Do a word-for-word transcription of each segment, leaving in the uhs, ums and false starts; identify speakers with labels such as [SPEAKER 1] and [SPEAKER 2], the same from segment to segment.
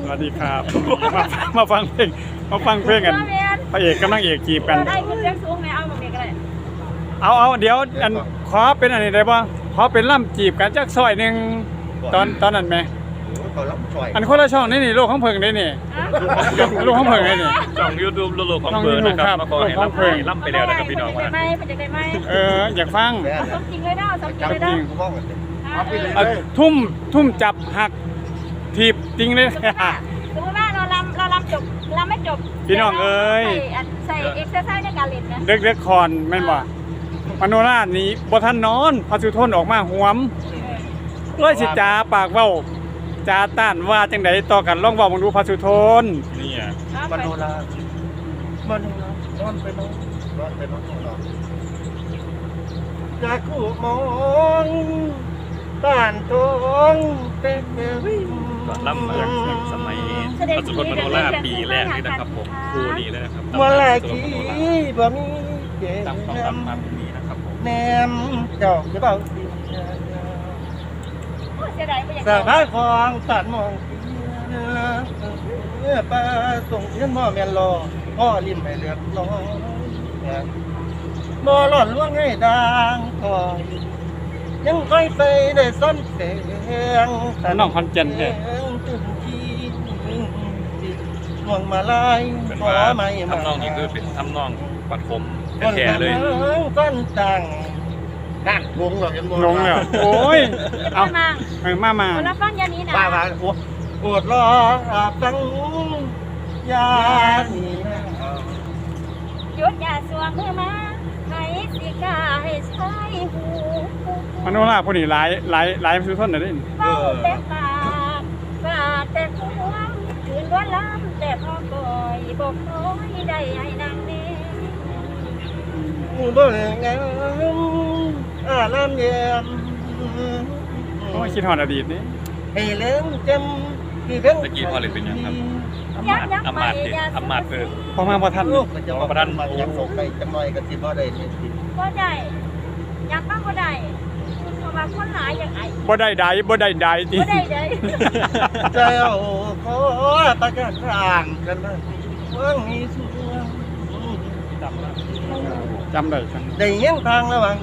[SPEAKER 1] สวัสดีครับมามาฟังเพลงมาฟังเพลงกันพระเอกกับนางเอกจีบกัน
[SPEAKER 2] ได้เงินเลี้ยงสูงไหมเอาแบบนี้ก็ได้
[SPEAKER 1] เอาเอาเดี๋ยวอันขอเป็นอันนี้ได้ป่ะขอเป็นล่ำจีบกันจักซอยหนึ่งตอนตอนนั้นไหมอันคนละช่องนี่นี่โลกของเพิงได้นี่โลกของเพิงได้นี่
[SPEAKER 3] ช่องยูทูบโลกของเพิงนะครับมาขอให้ล่ำล่ำไปแล้วนะครับพี่น้องว่า
[SPEAKER 2] ไม่เป็นยังไงไหม
[SPEAKER 1] เอออยากฟัง
[SPEAKER 2] เอาสมจริงเลยเนาะสมจริงเลยเนาะ
[SPEAKER 1] เอาทุ่มทุ่มจับหักถีบจริงเลย
[SPEAKER 2] สมมติว่าเราลำเราลำจบลำไม่จบ
[SPEAKER 1] พี่น้องเอ้ย
[SPEAKER 2] ใส่เอ็กซ์ไซส์ในการเล่นนะ
[SPEAKER 1] เด็กเด็กคอนแม่นบ่มโนราชนี้บ่ทันนอนพระสุทนออกมาหวมเลยสิจาปากเว้าจาต้านว่าจังไดต่อกันลองเว้ามึงดูพระสุทน
[SPEAKER 3] นี่อ่ะ
[SPEAKER 4] มโนรา มโนรานอนไปนอนนอนไปนอนนอนจากคู่มองบ้านทองเป็นเมืองวิ่ง
[SPEAKER 3] ล่ำมาจากสมัยปัจจุบันมโนราปีแรกนี่นะครับผมคู่นี้เลยนะครับ
[SPEAKER 4] เมื่อไรกี้บ่มีเก
[SPEAKER 3] ตามต้อง
[SPEAKER 4] ม
[SPEAKER 3] ตำมาแบบนี้นะครับผม
[SPEAKER 4] แนมเจ้าจะเบาสิ
[SPEAKER 2] เสียดายไปอย่าง
[SPEAKER 4] สาบานของตัดมองเมื่อป้าส่งเงินหม้อแม่นรอพ่อริมให้เลือดร้อนบ่หล่อนล่วงให้ดังคอยยังค่อยไปได้ซ้ำเสียง
[SPEAKER 1] น้องคอนเจนเด้
[SPEAKER 4] มองมาลาย
[SPEAKER 3] เป็น
[SPEAKER 4] ขอ
[SPEAKER 3] ว่า
[SPEAKER 4] ไม่มา
[SPEAKER 3] ทำนองนี้คือเป็นทำนองปัดคมแท้ๆเลย
[SPEAKER 4] ก้นตังนั่นงงเหรอเห็นบ่
[SPEAKER 1] งงแล้วโอ้ย
[SPEAKER 2] เอา
[SPEAKER 1] เอา
[SPEAKER 2] มา
[SPEAKER 1] เออมามา
[SPEAKER 2] แล้วฟังยานี้นะ
[SPEAKER 4] ป้าว่าโอ้ปวดรอฟังยานี่นะ
[SPEAKER 2] หยุดอย่าสวมมือมาให้สิกาให้ใช้หู
[SPEAKER 1] มโนราผู้นี้หลายหลายหลายพระสุทนน่ะเด้
[SPEAKER 2] เฝ้าแต่ปากปราดแต่หัวคืนวันล้ำแต่พอก่อยบอกน้อยได้ให้นางเน่
[SPEAKER 4] บ่ได้งามอาลามเยี่ยม
[SPEAKER 1] โอ้ยคิดฮอดอดีตนี่
[SPEAKER 4] ให้เล่นจำที่เพิ่ง
[SPEAKER 3] ตะกี้พ่อเลยเป็นยังครับอำ
[SPEAKER 2] ยั
[SPEAKER 3] มาก ต
[SPEAKER 2] ยัก
[SPEAKER 3] อำ
[SPEAKER 2] ไป
[SPEAKER 3] มาตย์
[SPEAKER 2] อย่า
[SPEAKER 3] อำมาตย์เออ
[SPEAKER 1] พอมาบ่ทัน
[SPEAKER 4] ลูกก็จะมาดันมายังส่งไปจังหน่อยก็สิบ่ได้นี่สิ
[SPEAKER 2] ก็ได้ยักบ้างก็ได้เพราะว่าคนหลายอย่างไอ้
[SPEAKER 1] บ่ได้ใดบ่ได้ใดติ
[SPEAKER 2] ก็ได้เลย
[SPEAKER 4] ใจเอาขอประกาศร่างกันมาว่างมีส่วน
[SPEAKER 1] จำได้จัง
[SPEAKER 4] ได้ยังทางระหว่าง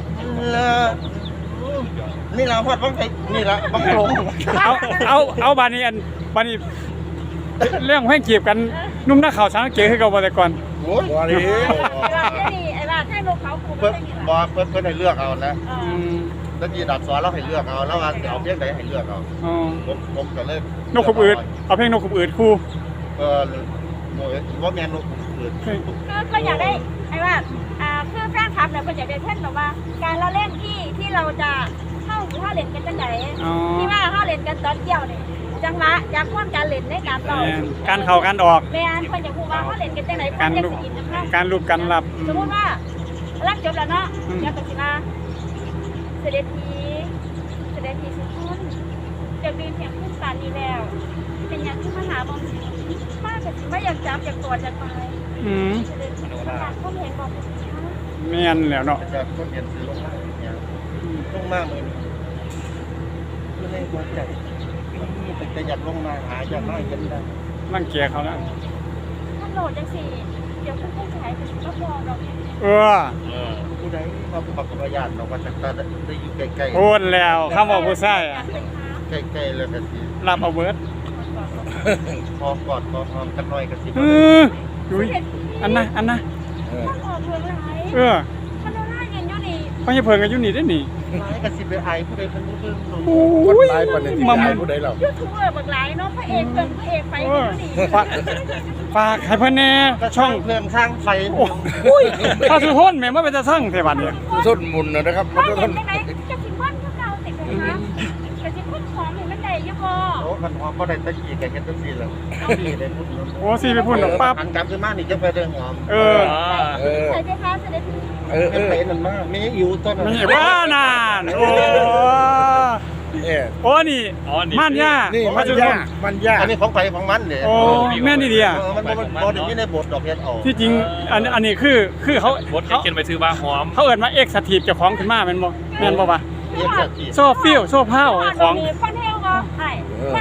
[SPEAKER 4] นี่เราฮอดบังไผนี่ละบังลง
[SPEAKER 1] เอาเอาเอาบาดนี้อันบาดนี้เรื่องเพลงจีบกันนุ่มหน้าขาวช้างเก๋คือเก่าบ่แต่ก่อน
[SPEAKER 4] โอ้ยบ่ดี
[SPEAKER 2] ไอ้บ้าแค่นี้ไอ้บ้าแค่ลูกเขาคูไม่
[SPEAKER 4] เพิ่น
[SPEAKER 2] ใช่นี่
[SPEAKER 4] บ่เพิ่นเพิ่นให้เลือกเอานะ
[SPEAKER 1] อืม
[SPEAKER 4] แล้วยีดับสอนเราให้เลือกเอาแล้วว่าสิเอาเพียงใดให้เลือกเอา
[SPEAKER 1] อ๋อ
[SPEAKER 4] ผมผมก็เลย
[SPEAKER 1] นกขบอืดเอาเพลงนกขบอืดคู่
[SPEAKER 4] เออโอ้ยว่าแม่นนกอื่น
[SPEAKER 2] คือก็อยากได้ไอ้ว่าอ่าคือแฟนคลับเนี่ยคนอยากได้เช่นแบบว่า การเราเล่นที่ที่เราจะเข้าเข้าเล่นกันจังไหน
[SPEAKER 1] อ๋อ
[SPEAKER 2] ที่ว่าเข้าเล่นกันตอนเกี่ยวเนี่ยจังหวะอยากพ่นการเล่นในการต่อ
[SPEAKER 1] แม่นการเข้าการออก
[SPEAKER 2] แม่นคนอยากพูดว่าเข้าเล่นกันจังไหน
[SPEAKER 1] การ
[SPEAKER 2] เพ่น
[SPEAKER 1] รู
[SPEAKER 2] จะ
[SPEAKER 1] ป
[SPEAKER 2] สิอินนะคะ
[SPEAKER 1] การรูปการรับ
[SPEAKER 2] สมมติว่ารักจบแล้วเนาะ
[SPEAKER 1] อืม
[SPEAKER 2] อยากตัดสินมาเสด็จทีเสด็จทีสุดท้นจะบินเพียงขึ้นป่านนี้แล้ว เป็นอย่างที่มหาบอมมากแต่สิไม่อยากจับอยากกอดอยากไป
[SPEAKER 1] อืม
[SPEAKER 2] เสด็จทีอยากเข้าเห็นบอกคุณช้า
[SPEAKER 1] แม่นแล้วเนาะ
[SPEAKER 4] จะคนเรียนซื้อลงมาเนี่ยลงมาเหมือนก็เลยหัวใจนี่แต่จะอยากลงมาหาอยากมาเห็นได้
[SPEAKER 1] นั่งเกียเขาแล้ว
[SPEAKER 2] ถ้าโหลดจังสิเดี๋ยวคุณผู้ชายจะรับรองเรา
[SPEAKER 1] เออ
[SPEAKER 3] เออ
[SPEAKER 4] ผู้ใดมาประกอบญาติเราก็จะได้อยู่ใกล้
[SPEAKER 1] โอนแล้วคำว่าผู้ชาย
[SPEAKER 2] อยากเป็นค้า
[SPEAKER 4] ๆใกล้ๆแล้วก็สิ
[SPEAKER 1] รับเอาเบิด
[SPEAKER 4] พอกอดพอหอมกันหน่อยก็สิ
[SPEAKER 1] เออดุยอันนะอันนะ
[SPEAKER 2] ถ้าออกเมืองไร
[SPEAKER 1] เออ
[SPEAKER 2] ถ้าเราได้เงินอยู่นี่
[SPEAKER 1] พ่อจะเพิ่งกันอยู่นี่ได้นี่
[SPEAKER 4] หลายก็สิไปไอผู้ใดเพิ่นบ่เบิ่งหนู
[SPEAKER 1] โอ้ยมามึง
[SPEAKER 4] ผู้ใดเรา
[SPEAKER 2] ยูทูบเบอร์บักหลายเนาะพระเอกเกินพระเอกไป
[SPEAKER 1] เอ
[SPEAKER 2] กัน
[SPEAKER 1] อ
[SPEAKER 2] อยู่นี่
[SPEAKER 1] ฝากฝากให้เพิ่นแน่
[SPEAKER 4] ก็
[SPEAKER 1] ช่
[SPEAKER 4] ช่
[SPEAKER 1] อ
[SPEAKER 4] อง งเพิ่มสร้างไฟ
[SPEAKER 1] โอ้ยถ้าสุทนแม่มาเป็นตาสั่งเทวันเนี่ย
[SPEAKER 5] ส้นมุนนะครับ
[SPEAKER 2] พ่อเห็นไหมจะสิบ้านพวกเราติดกันนะจะสิพ่นของเห็นมันได้ยังบ่
[SPEAKER 4] โอ้คันหอมบ่ได้ตะกี้ก็เฮ็ดจังซี่แหละนี่ได้พูด
[SPEAKER 1] โอ้สิไปพูดดอกปั๊บ
[SPEAKER 4] อันกลับขึ้นมานี่จะไปเด้อหอม
[SPEAKER 1] เออ
[SPEAKER 5] เออ
[SPEAKER 2] ใส่ใจค้าเสด็จพี่
[SPEAKER 5] เออเอ
[SPEAKER 4] เป็น
[SPEAKER 5] อ
[SPEAKER 4] ไปนั่นมามีอยู่ต้นนั้น
[SPEAKER 1] มีว่านานโอ้
[SPEAKER 5] เออ
[SPEAKER 1] โอ้นี่
[SPEAKER 3] อ๋อนี่
[SPEAKER 1] ม่านย่า
[SPEAKER 5] นี่
[SPEAKER 1] พ
[SPEAKER 5] มั
[SPEAKER 1] ระ
[SPEAKER 5] น
[SPEAKER 1] สุท
[SPEAKER 5] ยาน กมันยาก
[SPEAKER 4] อันนี้ของไผของมันเด้
[SPEAKER 1] โอ้แม่นี่เดีย
[SPEAKER 4] เออมันบ่บ่ได้มีในบทดอกเฮ็ดเอา
[SPEAKER 1] ที่จริงอันอันนี้คือคือเขา
[SPEAKER 3] บด
[SPEAKER 1] เขา
[SPEAKER 3] เขียนไปซื้อว่าหอม
[SPEAKER 1] เขาเอิ้นมาเอ็กซ์ทีฟเจ้าของขึ้นมาแม่นบ่แม่นบ่วะ
[SPEAKER 4] เฮ็ดจังซี่
[SPEAKER 1] โซ่ฟิลโซ่เผาของ
[SPEAKER 2] ฟันเทลก็ใช่ฟันฟัน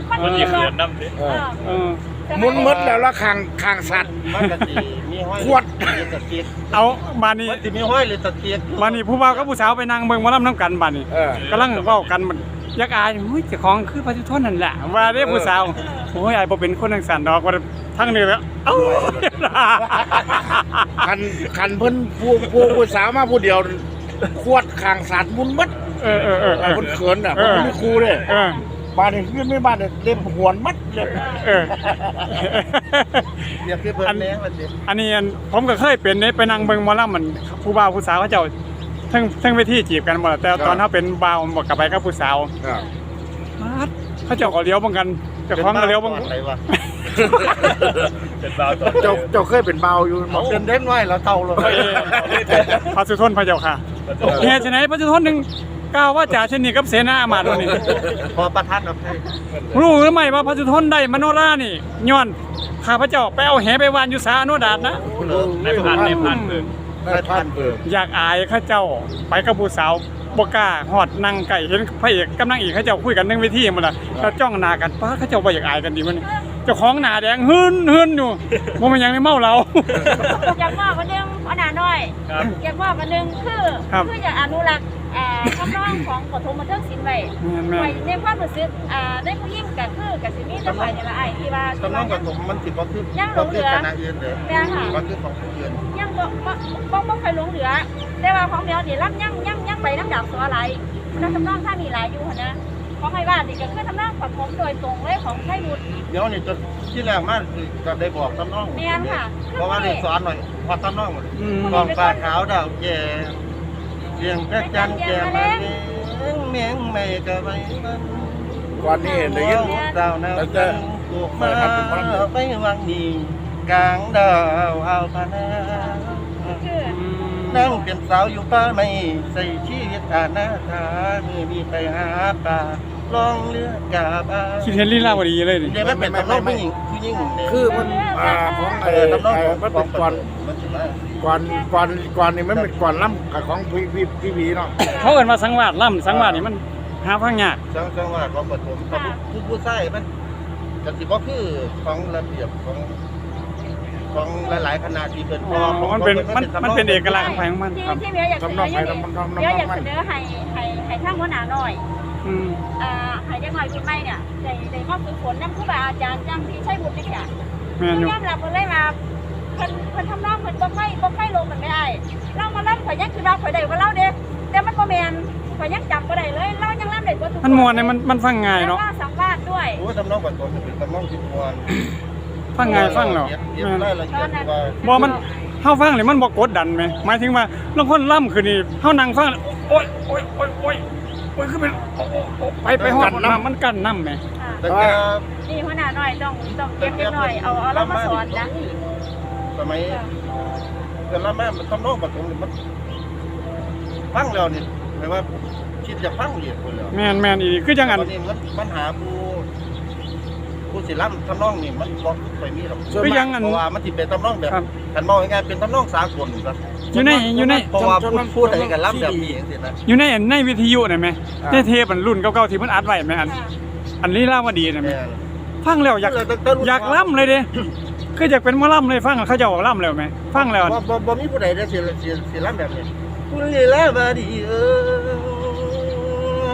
[SPEAKER 2] คน
[SPEAKER 3] มัน
[SPEAKER 2] มี
[SPEAKER 3] ยี
[SPEAKER 2] ร
[SPEAKER 3] เขิ
[SPEAKER 2] ถ
[SPEAKER 3] นน้ำดิ
[SPEAKER 5] เอ
[SPEAKER 2] เอ
[SPEAKER 5] อ
[SPEAKER 2] อ
[SPEAKER 1] เออ
[SPEAKER 5] มุนมดแล้วละคางคางสัตว์
[SPEAKER 4] มันก็สิมีห้อย
[SPEAKER 5] ขวด
[SPEAKER 4] หรือตะเกียบ
[SPEAKER 1] เอาบานนี้
[SPEAKER 4] มันสิมีห้อยหรือตะเกียบ
[SPEAKER 1] บานนี้ผู้บ่าวกับผู้สาวไปนั่งเบิ่งหมอลำน้ำกันบานนี้
[SPEAKER 5] เออก
[SPEAKER 1] ำลังเว้ากันมันอยักอายหุ้ยเจ้าของคือพระจุทนนั่นแหละว่าเด้ผู้สาวโอ้ยอายบ่เป็นคนจังซั่นดอกว่าทั้งนี้แล้วเอ้า
[SPEAKER 5] คันคันเพิ่นผู้ผู้ผู้สาวมาผู้เดียวขวดคางสัตว์มุนมด
[SPEAKER 1] เออเออเออ
[SPEAKER 5] เออเพิ่นเขินอ่ะ
[SPEAKER 1] เอ
[SPEAKER 5] เพิ่น
[SPEAKER 1] อ
[SPEAKER 5] ไม่ครูเด้
[SPEAKER 1] เออ
[SPEAKER 5] บ้านนี้เพื่อนไม่บ้านเนี่ยเล่มหวนมัดเลย
[SPEAKER 1] เออ
[SPEAKER 4] เรียกคือเพิ่นแหน่มันสิ
[SPEAKER 1] อันนี้อันผมก็เคยเป็นเนี่ยไปนั่งเบิ่งหมอลำมันผู้บ่าวผู้สาวเขาเจ้าทั้งทั้งเวทีจีบกันหมดแต่ตอนเขาเป็นบ่าวบอกกลับไปกับผู้สาว
[SPEAKER 5] อ่า
[SPEAKER 1] มาดเขาเจ้าก็เลี้ยวบังกันเจ้าของก็เลี้ยวบัง
[SPEAKER 4] ป็นบ้าอะไรวะ
[SPEAKER 3] เป็นบ่าวตัว
[SPEAKER 5] เจ้าเจ้าเคยเป็นเบาวอยู่
[SPEAKER 4] เอาเดินเด่นไว้แล้วเท่าเลย
[SPEAKER 1] พระสุทนพระเจ้าค่ะเหตุไฉนพระสุทนหนึ่งกล่าวว่าจ่าเช่นนี้กับเสนาอามาตย์วันนี้
[SPEAKER 4] พอประทัดกับให้
[SPEAKER 1] รู้หรือไม่ว่าพระสุทนได้มโนรานี่ย้อนข้าพเจ้าไปเอาแหไปวานอยู่สาอนุดาตนะ
[SPEAKER 3] ในพันในพันเกิน
[SPEAKER 5] ได้พันเปิด
[SPEAKER 1] อยากอายข้าเจ้าไปกับผู้สาวบกล้าหอดนั่งไก่เห็นพระเอกกับนางเอกข้าเจ้าคุยกันเรื่องวิธีหมดละแล้วจ้องหน้ากันป้าข้าเจ้าบ่อยากอายกันดีมันเจ้าของหน้าแดงหืนหืนอยู่บ่มันยังไม่เมาเรา
[SPEAKER 2] อยากมอบอันหนึงอันหนาน้อย
[SPEAKER 3] ครับ
[SPEAKER 2] อยากมอบอันหนึงคือ
[SPEAKER 1] ครับ
[SPEAKER 2] คืออยากอนุรักษ์อ่าคำร้องของปฐมบันเทิงศิลป์ไว้
[SPEAKER 1] แม่นๆ
[SPEAKER 2] ไว้ในความรู้สึกอ่าในผู้หญิงก็คือกับสิมีแต่ฝ่ายนี่ละไอ้ที่ว่า
[SPEAKER 4] ตำนองกับผมมันสิบ่คือ
[SPEAKER 2] ยังหล
[SPEAKER 4] บ่
[SPEAKER 2] งเห
[SPEAKER 4] คื
[SPEAKER 2] ลื
[SPEAKER 4] อ
[SPEAKER 2] อ
[SPEAKER 4] คณะอื่นเด้อ
[SPEAKER 2] แม่ค่ะ
[SPEAKER 4] บ่คือของผู้อื่น
[SPEAKER 2] ยังบ่บ่บ่บ่เคยหลงเหลือ แต่ว่าของเดียวนี่รับยังยังยังไปน้ำดาบสัวไหลแล้วทำนองถ้ามีหลายอยู่หั่นนะของไอ้บ้านนี่ก็คือทำนองปฐมโดยตรงเลยของไทยบุตร
[SPEAKER 4] เดี๋ยวนี่จนที่แรกมาคือก็ได้บอกตำนอง
[SPEAKER 2] แม่นค่ะ
[SPEAKER 4] เพราะว่าได้สอนหน่อยพอตำนอง
[SPEAKER 1] อืม
[SPEAKER 4] กองฟ้าขาวดาวแก่เสียงพระจันทร์แก่มาเลี้ยงเมียงไม่ก็ไว้มัน
[SPEAKER 5] ก่อนนี้ได้ยิน
[SPEAKER 4] ดาวนาจันทร์ปลูกมาไปวังนี้กลางดาวเอาพนา
[SPEAKER 2] คือ
[SPEAKER 4] นั่งเป็นสาวอยู่ป่าไม่ใส่ชีวิตอาณาถามือมีไปหาปลาลองเรือกาบา
[SPEAKER 1] คิดเห็นลีลาวดีเลยนี่
[SPEAKER 4] เดี๋ยวมันเป็นตำนองผู้หญิงผู้หญิงเนี่ย
[SPEAKER 5] คือมันอ่าของ
[SPEAKER 4] เอ
[SPEAKER 5] ไอ้
[SPEAKER 4] อตำนอง
[SPEAKER 5] ไอ้
[SPEAKER 4] ของ
[SPEAKER 5] มันเป็นก่อน
[SPEAKER 4] มันสิมา
[SPEAKER 5] ก่อนก่อนก่อนนี่มันเป็นก่อนล้ำกับของพี่พี่พี่พีเนาะ
[SPEAKER 1] เขาเอิ้นว่าสังวาสล่ำสังวาสนี่มันหาฟังยาก
[SPEAKER 4] จังจังหวัดของปฐมกับผู้ผู้ชายมันก็สิบ่คือของระเบียบของของหลายๆคณะที่เป็น
[SPEAKER 1] อ๋อมันเป็นมันมันเป็นเอกลักษณ์ของไผของมัน
[SPEAKER 2] ที่
[SPEAKER 1] ครับ
[SPEAKER 2] ที่เมียอยากเสนออย่างนี้เมียอยากเสนอให้ให้ให้ทางหัวหน้าหน่อย
[SPEAKER 1] อืม
[SPEAKER 2] อ่าให้เด็กน้อยรุ่นใหม่เนี่ยได้ได้มาฝึกฝนนำครูบาอาจารย์จังที่ใช้บุญนี่ค่ะ
[SPEAKER 1] แม่นอยู่
[SPEAKER 2] ยอมรับเพิ่นเลยว่าเพิ่นเพิ่นทำนองเพิ่นบ่ค่อยบ่ค่อยลงกันไม่ได้เรามาล่ำข่อยยังคือว่าข่อยได้กว่าเราเด้แต่มันบ่แม่นข่อยยังจำบ่ได้เลยเรายังล่ำได้กว่าทุก
[SPEAKER 1] มันมวนเนี่ยมันมันฟังง่ายเนาะ
[SPEAKER 2] แล้วก็สัมภาษณ์ด้วย
[SPEAKER 4] โอ้ตำนองปฐมเป็นตำนองที่มวน
[SPEAKER 1] ฟังง่ายฟังแล้ว
[SPEAKER 4] เก็บเก็บ
[SPEAKER 1] แม่น
[SPEAKER 4] รายละเอียดว่า
[SPEAKER 1] บ่มันเฮาฟังนี่มันบ่กดดันไหมหมายถึงว่าลางคนล่ำคือนี่เฮานั่งฟังโอ๊ยโอ๊ยโอ๊ยโอ๊ยโอ๊ยคือเป็นโอ๊ะโอ๊ะโอ๊ะไปไปฮอดน้ำมันกั้นน้ำแหม
[SPEAKER 2] ค่ะ
[SPEAKER 4] แต่ก็
[SPEAKER 2] นี่หัวหน้าหน่อยต้องต้องเก็บเล็กหน่อยเอาเอาเรามาสอนนะ
[SPEAKER 4] สมัยเกิดละแม่มันตำนองปฐมนี่มันฟังแล้วนี่หมายว่าคิดจะฟังเรียนคนแล้ว
[SPEAKER 1] แม่นแม่นอีกคือจังอัน
[SPEAKER 4] ตอนนี้มันปัญหาผู้ผู้ศิลป์ทำนองนี่มันบ่ไปมีหรอก
[SPEAKER 1] คือจังอัน
[SPEAKER 4] เพราะว่ามันสิเป็นทำนองแบบ
[SPEAKER 1] ครับ
[SPEAKER 4] กันมองง่ายๆเป็นทำนองสากลครับ
[SPEAKER 1] อยู่ในอยู่ใน
[SPEAKER 4] เพราะว่าพูดพูดอะไรกันล้ำแบบนี้จังซี่นะ
[SPEAKER 1] อยู่ในอันในวิทยุน่ะแหมในเทปอันรุ่นเก่าๆที่มันอัดไว้แหมอันอันลีลาวดีน่ะแหม
[SPEAKER 4] แม่น
[SPEAKER 1] ฟังแล้วอยากอยากล่ำเลยเด้คืออยากเป็นหมอล่ำเลยฟังแล้วเขาเจะบอกล่ำแล้วไหมฟังแล้ว
[SPEAKER 4] บ่บ่บ่มีผู้ใดได้สิสิสิล้ำแบบนี้คุณลีลาวดีเออ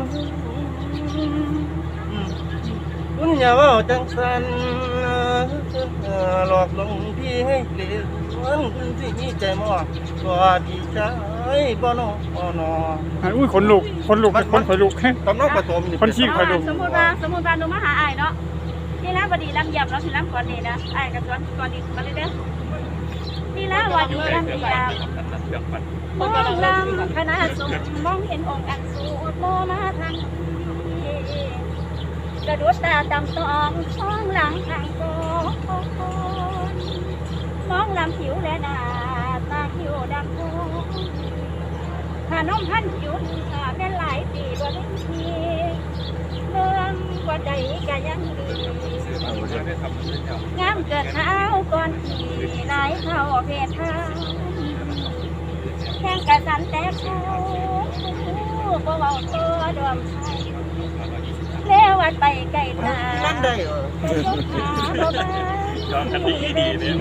[SPEAKER 4] คุณอย่าเว้าจังซั่นหลอกลวงพี่ให้เกลียดคุณสิมีใจมอสวัสดีใจบ่น้อบ่น้อ
[SPEAKER 1] อุ้ยขนลุกขนลุกขนขนลุก
[SPEAKER 4] ตำนองปฐมนี่
[SPEAKER 1] คนชี้
[SPEAKER 2] เพราะว่าสมมุติว่าสมมุติว่าหนูมาหาอ้ายเนาะนี่นะบดีลำเยียบเนาะสิลำก่อนนี่นะอ้ายก็สอนก่อนนี่มาเลยเด้อนี่นะบดีลำเยียบ มองลำคณะสงฆ์มองเห็นองค์อันสูดโมมาทางนี้กระดุดตาตำตองมองหลังทางโกนมองลำผิวและหน้าตาคิ้วดำโกขนมพันจุดขาแม่นหลายปีบ่ได้ทีเมืองกว่าใจก็ยังดีงามเกิดเท้าก่อนขี่หลายเท่าเพศเท้าแข่งกระสันแต่เขาบ่เว้าตัวดวมใสแลเรวัดไปไกลตา
[SPEAKER 4] นั่นได้เหรอ
[SPEAKER 2] บ่บ้า
[SPEAKER 3] ย้อนกันดีดีเนี่ย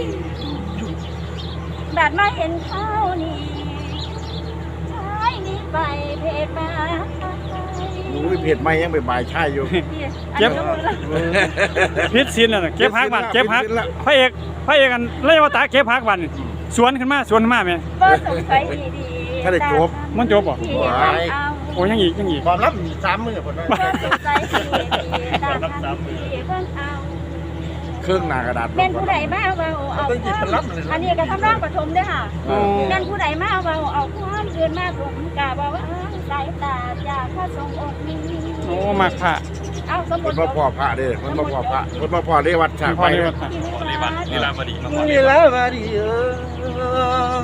[SPEAKER 2] บาดมาเห็นเขานี่ชายนี่ไปเพศมา
[SPEAKER 5] หนูเพจไม่ยังไปบ่ายใช่อยู่
[SPEAKER 1] เก็บ พิษสินน่ะเก็บพักบันเก็บพักพระเอกพระเอกอันเลยวตาเก็บพักบันสวนขึ้นมาสวนขึ้นมาแม่
[SPEAKER 2] บ่สงสัยดี
[SPEAKER 5] ถ้าได้จบ
[SPEAKER 1] มันจบบ่
[SPEAKER 2] ที่เห็นเอา
[SPEAKER 1] โอ้ยังอีกยังอีก
[SPEAKER 4] ความลับมีสามมือคนนั้น
[SPEAKER 2] บ่สงสัยดีๆตามทางที่เพิ่นเอา
[SPEAKER 5] เครื่องหนากระดาษ
[SPEAKER 2] แม่นผู้ใดมาเว้าเอาความอันนี้ก็ทำร่างปฐมเด้อค่ะ
[SPEAKER 1] อ๋อ
[SPEAKER 2] แม่นผู้ใดมาเว้าเอาความเกินมาสมกะบ่ว่าสายตาจากพระทรงองค์นี้
[SPEAKER 1] โอ้มากค่ะ
[SPEAKER 2] เอาสมมุ
[SPEAKER 5] มัน
[SPEAKER 2] ติ
[SPEAKER 5] มาพ่อพระเด้อมันมาพ่อพระมันมาพ่อเรวัดฉาก
[SPEAKER 1] พ
[SPEAKER 5] ไป
[SPEAKER 1] อดี
[SPEAKER 5] เด้อ
[SPEAKER 1] ว่าค่ะ
[SPEAKER 3] ขอเลวัตลีลาบดีมาขอเล
[SPEAKER 4] นี่
[SPEAKER 3] วั
[SPEAKER 4] แล้
[SPEAKER 3] ต
[SPEAKER 4] วมาดีเออ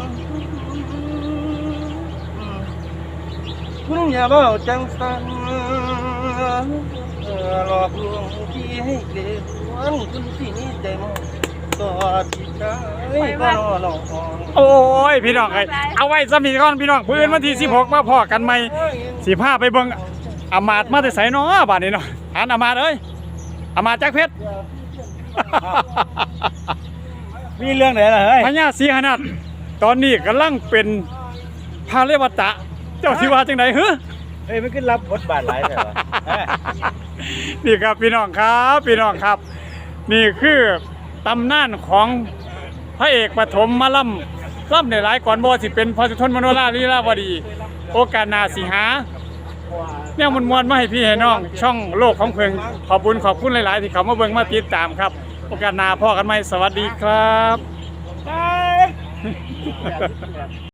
[SPEAKER 4] คุณอย่าบอกจังสันหลอกลวงพี่ให้เกลียดวันคุณที่นี่ใจมองตอดที่ใจก็นอนอง
[SPEAKER 1] โอ้ยพี่น้องไอ้เอาไว้สมีก่อนพี่น้องพื้นวันที่สิบหกมาพอกันใหม่สิพาไปเบิ่งอามาตย์มาแต่ไสเนาะบาดนี้เนาะหานอามาตย์เอ้ยอามาตย์จักเพชร
[SPEAKER 4] มีเรื่องไหนล่ะเฮ้ย
[SPEAKER 1] พญาศรีหนาถตอนนี้กำลังเป็นพาเลวตะ เจ้าสิว่าจังได๋ฮึ
[SPEAKER 4] เฮ้ยมันขึ้นรับบทบาทหลายแต่ว่า
[SPEAKER 1] นี่ครับพี่น้องครับพี่น้องครับ นี่คือตำนานของพระเอกปฐมมาล่ำล่ำในหลายก่อนบ่สิเป็นพระสุทนมโนราลีลาวดี โอกาสหน้าสิหาเนี่ยมวนๆมาให้พี่ให้น้อง ช่องโลกของเพิ่งขอบคุณขอบคุณหลาย ๆ ที่เขามาเบิ่งมาติดตามครับ โอกาสหน้าพ่อกันใหม่สวัสดีครับ